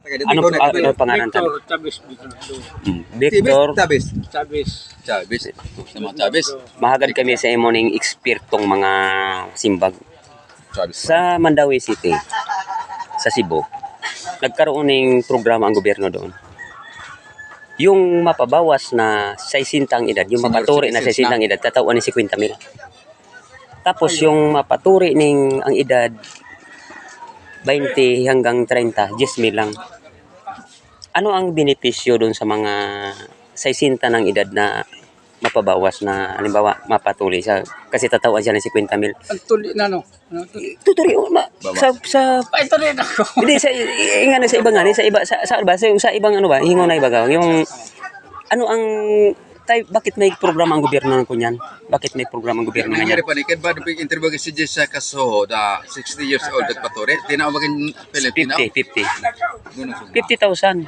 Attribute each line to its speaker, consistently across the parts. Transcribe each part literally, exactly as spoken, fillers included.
Speaker 1: Ano uh, ano pangalan tan?
Speaker 2: Victor Chavez Bernardo.
Speaker 1: Hmm. Victor
Speaker 3: Chavez.
Speaker 2: Chavez.
Speaker 3: Chavez. Sa mga Chavez.
Speaker 1: mahagad kami sa imo ning ekspertong mga simbag
Speaker 3: Chavez.
Speaker 1: sa Mandawi City sa Cebu. Nagkaroon ng programa ang gobyerno doon. Yung mapabawas na sesenta ang edad, yung
Speaker 3: Senior
Speaker 1: mapaturi na
Speaker 3: citizens
Speaker 1: sesenta ang edad, tatawan ni fifty mil. Tapos yung mapaturi ning ang edad twenty hanggang thirty, ten mil lang. Ano ang benepisyo doon sa mga sesenta ng edad na mapabawas na halimbawa mapatuli siya kasi tatawan siya ng fifty mil.
Speaker 2: Ang tuli na no. Ano tuli?
Speaker 1: Tuturi oh, ma, sa sa
Speaker 2: Ay, tuli na ako.
Speaker 1: hindi sa ingana sa ibang ano sa iba sa, sa ba sa, sa ibang ano ba hingo na iba ka yung ano ang tay, bakit may programa ang gobyerno ng kunyan? Bakit may programa ang gobyerno ng
Speaker 3: Nangyari
Speaker 1: kunyan?
Speaker 3: pa ni Ken ba big interview si Jess sa kaso da sixty years old at patore. Tinawagin Pilipino.
Speaker 1: fifty, fifty. fifty thousand.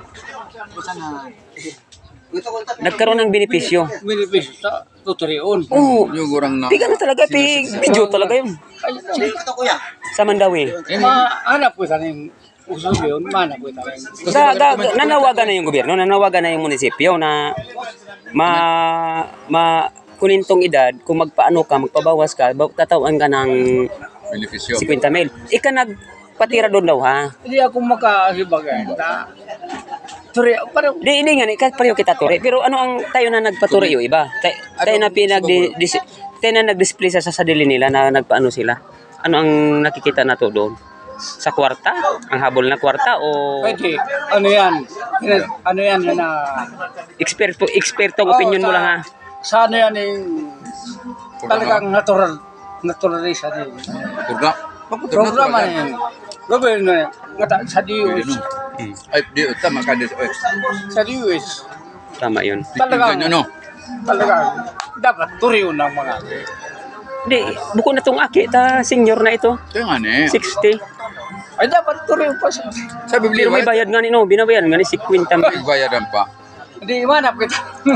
Speaker 1: Nagkaroon ng benepisyo.
Speaker 2: Minibis sa tuturion.
Speaker 1: Oo.
Speaker 3: Yung gurang na.
Speaker 1: Piga na talaga, pig. Video talaga yun.
Speaker 2: Ay,
Speaker 1: Sa Mandawi.
Speaker 2: mahanap ko sa ning uso yun, mahanap ko sa ning.
Speaker 1: Da, da, nanawagan na yung gobyerno, nanawagan na yung munisipyo na ma, ma, kunin tong edad, kung magpaano ka, magpabawas ka, ba- tatawan ka ng
Speaker 3: Benepisyo.
Speaker 1: fifty mil. Ika nagpatira doon daw, ha?
Speaker 2: Hindi ako makahibagay. Ta. Turi, parang
Speaker 1: Di, hindi nga, ika pareho kita turi. Pero ano ang tayo na nagpaturi yung iba? Tayo, tayo na pinag, dis, tayo na nag-display sa sarili nila na nagpaano sila. Ano ang nakikita na to doon? Sa kwarta? Ang habol na kwarta o
Speaker 2: pwede. Ano yan? Yan- Ano yan yan na...
Speaker 1: eksperto, ekspertong opinion mo lang, ha?
Speaker 2: Sa ano yan yung... Talagang natural. Naturalisa din.
Speaker 3: Kurga.
Speaker 2: Programa na yan. Gobyerno na yan. Ngata- Sa D U S.
Speaker 1: Hmm.
Speaker 3: Ay, di tama ka di.
Speaker 2: Sa D U S.
Speaker 1: Tama yun.
Speaker 2: Talagang...
Speaker 3: Ganyan no.
Speaker 2: Talagang... Dapat turiyo ng mga...
Speaker 1: Hindi, buko na tong aki, ta senior na ito.
Speaker 3: Kaya nga ni.
Speaker 1: sixty.
Speaker 2: Ay, dapat turiyo pa siya.
Speaker 3: Sa Biblia,
Speaker 1: Pero may bayad nga ni, no? Binabayan nga ni fifty mil.
Speaker 3: bayaran pa.
Speaker 2: Hindi, imanap kita.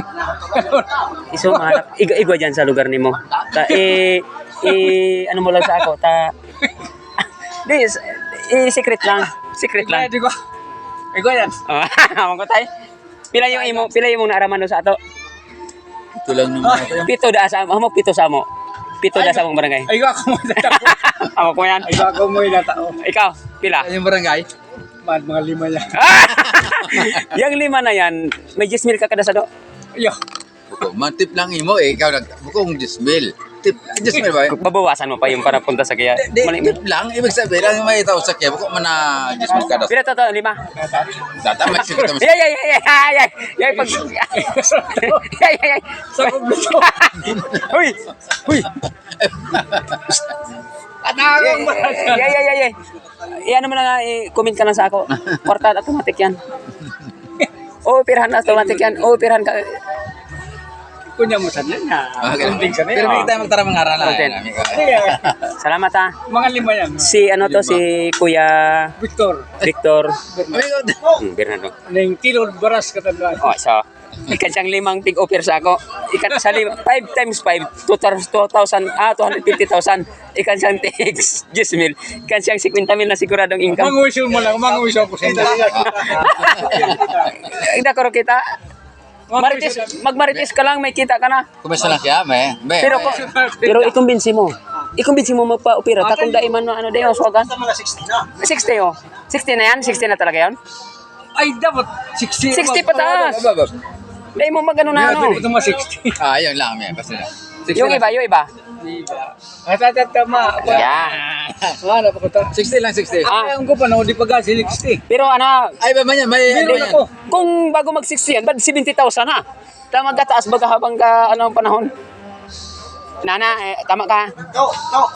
Speaker 1: Iso mahanap. Iga, igwa dyan sa lugar ni mo. Ta, eh, eh, ano mo lang sa ako, ta... Di, eh, secret lang. Secret lang.
Speaker 2: Hindi ko. Ikaw yan.
Speaker 1: Oh, amang ko tayo. Pila yung imo, pila yung mong naaraman doon sa ato.
Speaker 3: Ito lang naman ito.
Speaker 1: Pito da sa amo, pito sa amo. Pito da sa among barangay.
Speaker 2: Ay, ikaw ako mo yung tao.
Speaker 1: Amo ko yan.
Speaker 2: Ay, ikaw ako mo yung tao.
Speaker 1: Ikaw, pila.
Speaker 3: Yung barangay.
Speaker 2: Man, mga lima yan.
Speaker 1: Yang lima na yan, may ten mil ka kada sa do.
Speaker 2: Yo.
Speaker 3: Buko, mantip lang imo eh. Ikaw nag bukong Jismil. Tip, Jismil ba?
Speaker 1: Babawasan mo pa yung para punta sa kaya.
Speaker 3: Di,
Speaker 1: Mali-
Speaker 3: tip lang. Ibig sabihin lang may tao sa kaya. Buko man na Jismil ka.
Speaker 1: Pila to to, lima.
Speaker 3: Data may sige tama.
Speaker 1: Yay, yay, yay, yay, yay, yay, pag... Yay, yay, yay.
Speaker 2: Sa publiko.
Speaker 1: Huy, huy.
Speaker 2: Anang
Speaker 1: Yay, yay, yay, yay. Iyan naman na, i-comment ka lang sa ako. Kwarta, automatic yan. Oo, pirahan na, automatic yan. Oo, pirahan ka.
Speaker 2: Kunya mo sa niya.
Speaker 3: Okay.
Speaker 2: Kunding sa
Speaker 3: Pero
Speaker 2: niya.
Speaker 3: may tayo magtara mga aralan.
Speaker 1: Content.
Speaker 2: Iya.
Speaker 1: Salamat ha.
Speaker 2: Mga lima yan.
Speaker 1: Si ano to, si Kuya
Speaker 2: Victor.
Speaker 1: Victor
Speaker 3: Amigo.
Speaker 1: hmm, Bernardo.
Speaker 2: Neng Tilod Baras katandaan.
Speaker 1: Oh, so, ikan siyang limang tig offer sa ako. Ikan sa lima, five times five, two thousand, ah, two hundred fifty thousand. Ikan siyang tig, ten mil. Ikan siyang fifty mil na siguradong income.
Speaker 2: Manguso mo lang. Manguso ko sa inyo.
Speaker 1: Ida ko kita. Marites, magmarites ka lang, may kita ka na.
Speaker 3: Kumesa lang siya, may. May.
Speaker 1: Pero ko, pero ikumbinsi mo. Ikumbinsi mo magpa-opera. Takong daiman mo, ano, dayo, swagan.
Speaker 2: sixty na.
Speaker 1: sixty, oh. sixty na yan? sixty na talaga yan?
Speaker 2: Ay, dapat sixty.
Speaker 1: sixty pataas.
Speaker 3: Baba.
Speaker 1: Dahil mo magano na, ano.
Speaker 2: Ito mga sixty.
Speaker 3: Ah, yun lang, may. Basta na.
Speaker 1: Yung iba, yung iba.
Speaker 2: At at at tama.
Speaker 1: Yeah.
Speaker 2: Wala pa ko ta.
Speaker 3: sixty lang, sixty.
Speaker 1: Ah.
Speaker 2: Ayaw ko pa na, di pa ka sixty.
Speaker 1: Pero ano,
Speaker 3: Ay, ba man yan? May ano
Speaker 2: Meron
Speaker 3: yan?
Speaker 2: ako.
Speaker 1: kung bago mag-sixty yan, bad seventy thousand ha. Tama gataas baga habang ka, ano ang panahon. Nana, eh, tama ka.